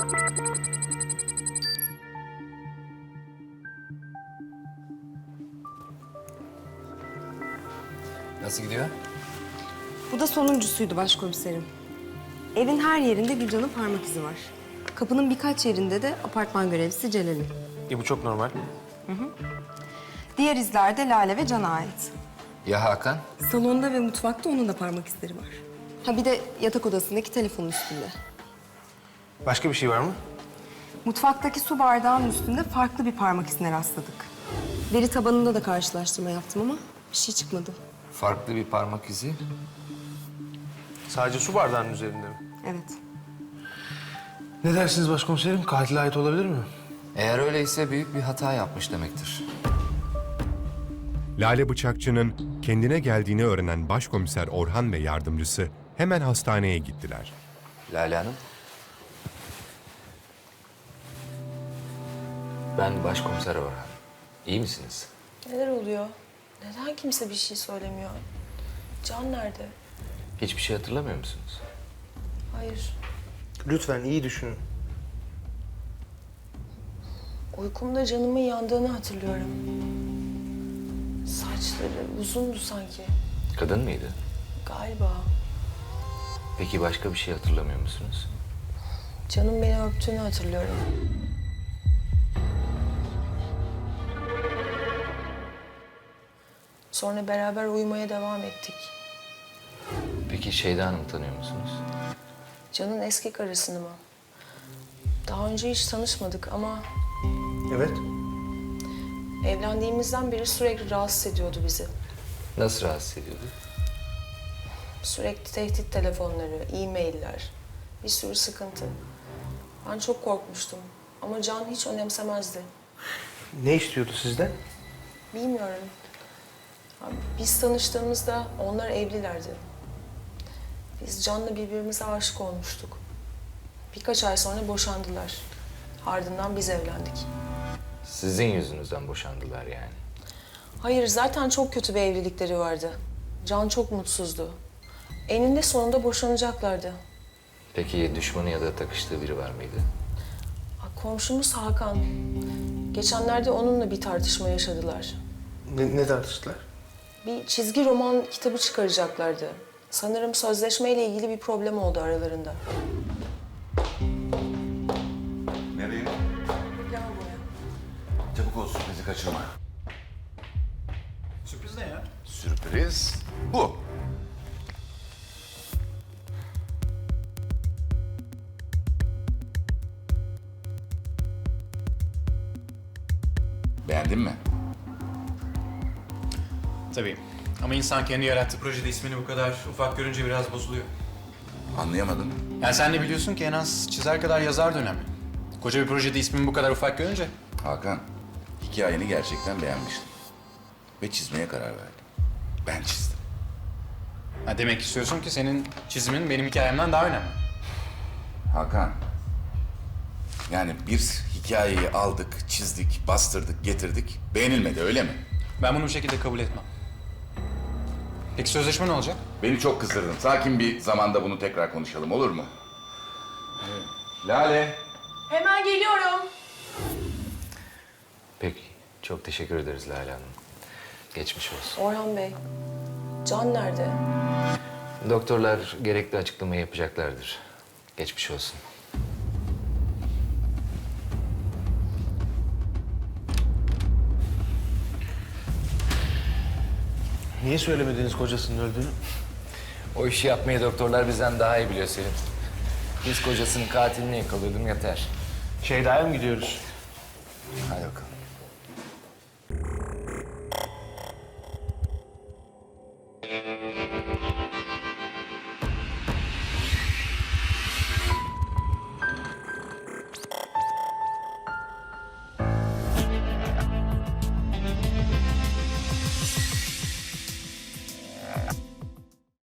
Nasıl gidiyor? Bu da sonuncusuydu başkomiserim. Evin her yerinde Gülcan'ın parmak izi var. Kapının birkaç yerinde de apartman görevlisi Celal'in. Bu çok normal. Diğer izler de Lale ve Can'a ait. Ya Hakan? Salonda ve mutfakta onun da parmak izleri var. Ha bir de yatak odasındaki telefonun üstünde. Başka bir şey var mı? Mutfaktaki su bardağının üstünde farklı bir parmak izine rastladık. Veri tabanında da karşılaştırma yaptım ama bir şey çıkmadı. Farklı bir parmak izi. Sadece su bardağının üzerinde mi? Evet. Ne dersiniz başkomiserim? Katile ait olabilir mi? Eğer öyleyse büyük bir hata yapmış demektir. Lale Bıçakçı'nın kendine geldiğini öğrenen başkomiser Orhan ve yardımcısı hemen hastaneye gittiler. Lale Hanım. Ben başkomiser Orhan. İyi misiniz? Neler oluyor? Neden kimse bir şey söylemiyor? Can nerede? Hiçbir şey hatırlamıyor musunuz? Hayır. Lütfen iyi düşünün. Uykumda canımın yandığını hatırlıyorum. Saçları uzundu sanki. Kadın mıydı? Galiba. Peki başka bir şey hatırlamıyor musunuz? Canım beni öptüğünü hatırlıyorum. Sonra beraber uyumaya devam ettik. Peki Şeyda Hanım'ı tanıyor musunuz? Can'ın eski karısını mı? Daha önce hiç tanışmadık ama Evet. evlendiğimizden beri sürekli rahatsız ediyordu bizi. Nasıl rahatsız ediyordu? Sürekli tehdit telefonları, e-mailler, bir sürü sıkıntı. Ben çok korkmuştum ama Can hiç önemsemezdi. Ne istiyordu sizden? Bilmiyorum. Abi, biz tanıştığımızda onlar evlilerdi. Biz Can'la birbirimize aşık olmuştuk. Birkaç ay sonra boşandılar. Ardından biz evlendik. Sizin yüzünüzden boşandılar yani. Hayır, zaten çok kötü bir evlilikleri vardı. Can çok mutsuzdu. Eninde sonunda boşanacaklardı. Peki düşmanı ya da takıştığı biri var mıydı? Komşumuz Hakan. Geçenlerde onunla bir tartışma yaşadılar. Ne tartıştılar? Bir çizgi roman kitabı çıkaracaklardı. Sanırım sözleşmeyle ilgili bir problem oldu aralarında. Nereye? Lavaboya. Çabuk ol, sürprizi kaçırma. Sürpriz ne ya? Sürpriz bu. Beğendin mi? Tabii. Ama insan kendi yarattığı projede ismini bu kadar ufak görünce biraz bozuluyor. Anlayamadım. Yani sen de biliyorsun ki en az çizer kadar yazar da önemli. Koca bir projede ismini bu kadar ufak görünce. Hakan, hikayeni gerçekten beğenmiştim. Ve çizmeye karar verdim. Ben çizdim. Ha, demek istiyorsun ki senin çizimin benim hikayemden daha önemli. Hakan, yani bir hikayeyi aldık, çizdik, bastırdık, getirdik. Beğenilmedi, öyle mi? Ben bunu bu şekilde kabul etmem. Peki sözleşme ne olacak? Beni çok kızdırdın. Sakin bir zamanda bunu tekrar konuşalım, olur mu? Lale. Hemen geliyorum. Peki. Çok teşekkür ederiz Lale Hanım. Geçmiş olsun. Orhan Bey, Can nerede? Doktorlar gerekli açıklamayı yapacaklardır. Geçmiş olsun. Niye söylemediniz kocasının öldüğünü? O işi yapmayı doktorlar bizden daha iyi biliyor Selim. Biz kocasının katilini yakalıyordum yeter. Şeyda'ya mı gidiyoruz? Hadi bakalım.